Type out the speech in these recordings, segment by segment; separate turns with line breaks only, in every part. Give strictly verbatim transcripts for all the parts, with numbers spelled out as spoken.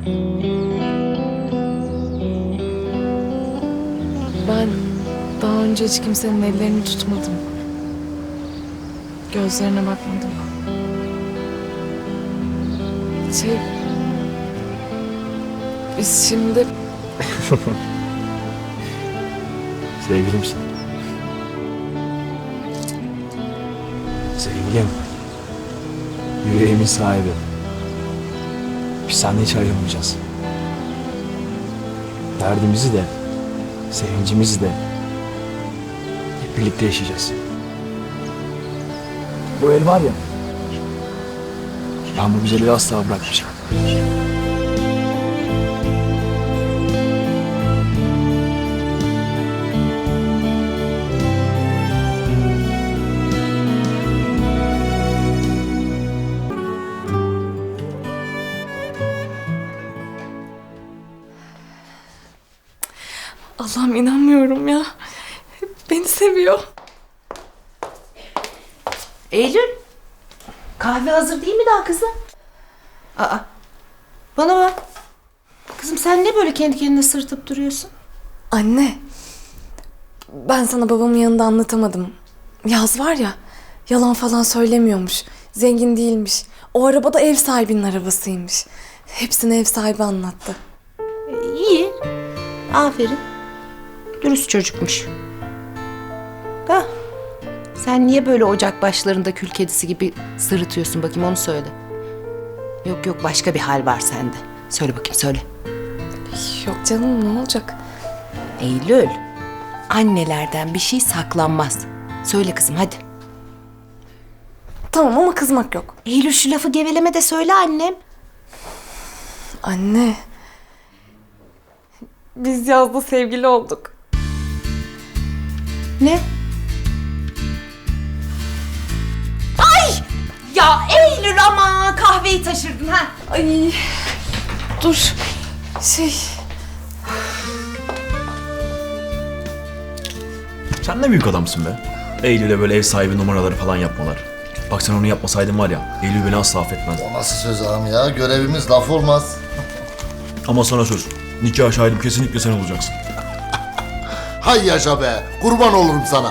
Ben daha önce hiç kimsenin ellerini tutmadım. Gözlerine bakmadım. Şey... Biz şimdi...
Sevgilimsin. Sevgilim. Yüreğimin sahibi. Biz seninle hiç ayrılmayacağız. Derdimizi de, sevincimizi de hep birlikte yaşayacağız. Bu el var ya, ben bu güzelliği asla bırakmayacağım.
Allah'ım inanmıyorum ya. Beni seviyor.
Eylül, kahve hazır değil mi daha kızım? Aa, bana bak. Kızım sen ne böyle kendi kendine sırıtıp duruyorsun?
Anne. Ben sana babamın yanında anlatamadım. Yaz var ya, yalan falan söylemiyormuş. Zengin değilmiş. O araba da ev sahibinin arabasıymış. Hepsini ev sahibi anlattı.
Ee, iyi. Aferin. Dürüst çocukmuş. Da sen niye böyle ocak başlarında kül kedisi gibi sırıtıyorsun bakayım, onu söyle. Yok yok, başka bir hal var sende. Söyle bakayım, söyle.
Yok canım, ne olacak?
Eylül, annelerden bir şey saklanmaz. Söyle kızım hadi.
Tamam ama kızmak yok.
Eylül, şu lafı geveleme de söyle annem.
Anne. Biz yazda sevgili olduk.
Ne? Ay! Ya Eylül, ama kahveyi taşırdın ha.
Ay. Dur. Şey.
Sen ne büyük adamsın be. Eylül'e böyle ev sahibi numaraları falan yapmalar. Bak sen onu yapmasaydın var ya, Eylül beni asla affetmez.
O nasıl söz ağam ya? Görevimiz laf olmaz.
Ama sana söz, nikah şahidim kesinlikle sen olacaksın.
Hay yaşa be! Kurban olurum sana.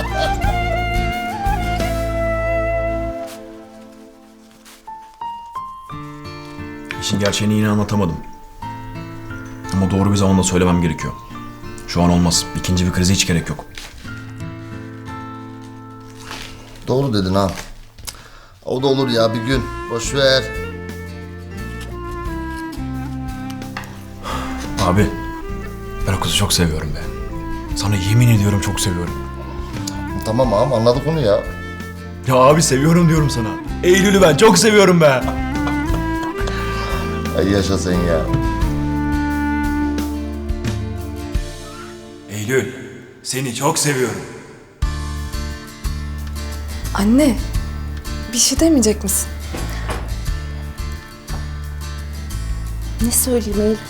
İşin gerçeğini yine anlatamadım. Ama doğru bir zamanda söylemem gerekiyor. Şu an olmaz. İkinci bir krize hiç gerek yok.
Doğru dedin ha. O da olur ya bir gün. Boş ver.
Abi, ben o kızı çok seviyorum be. Sana yemin ediyorum çok seviyorum.
Tamam ağam, anladık onu ya.
Ya abi seviyorum diyorum sana. Eylül'ü ben çok seviyorum be.
Hay yaşa sen ya.
Eylül, seni çok seviyorum.
Anne. Bir şey demeyecek misin?
Ne söyleyeyim Eylül?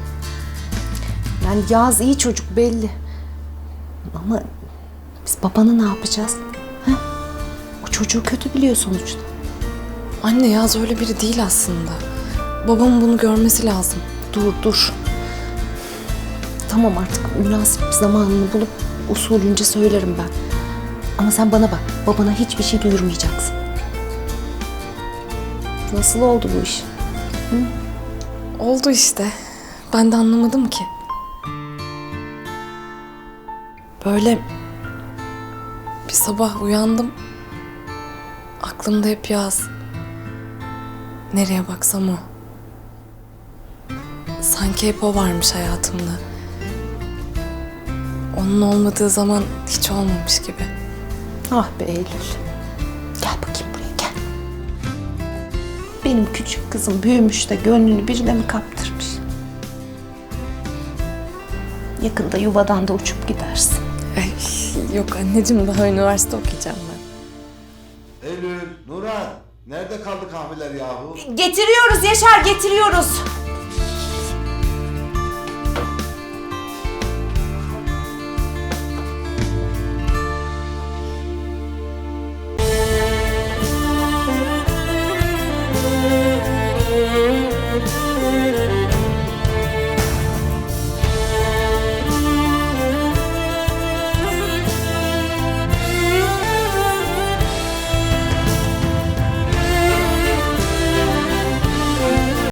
Yani Yağız iyi çocuk belli. Ama biz babanı ne yapacağız? Ha? O çocuğu kötü biliyor sonuçta.
Anne Yaz öyle biri değil aslında. Babamın bunu görmesi lazım.
Dur dur. Tamam, artık münasip bir zamanını bulup usulünce söylerim ben. Ama sen bana bak, babana hiçbir şey duyurmayacaksın. Nasıl oldu bu iş?
Oldu işte. Ben de anlamadım ki. Böyle bir sabah uyandım. Aklımda hep Yaz. Nereye baksam o. Sanki hep o varmış hayatımda. Onun olmadığı zaman hiç olmamış gibi.
Ah be Eylül. Gel bakayım buraya, gel. Benim küçük kızım büyümüş de gönlünü birine mi kaptırmış? Yakında yuvadan da uçup gidersin.
Ay, yok anneciğim, daha üniversite okuyacağım ben.
Eylül, Nurhan, nerede kaldı kahveler yahu?
Getiriyoruz Yaşar, getiriyoruz.
Müzik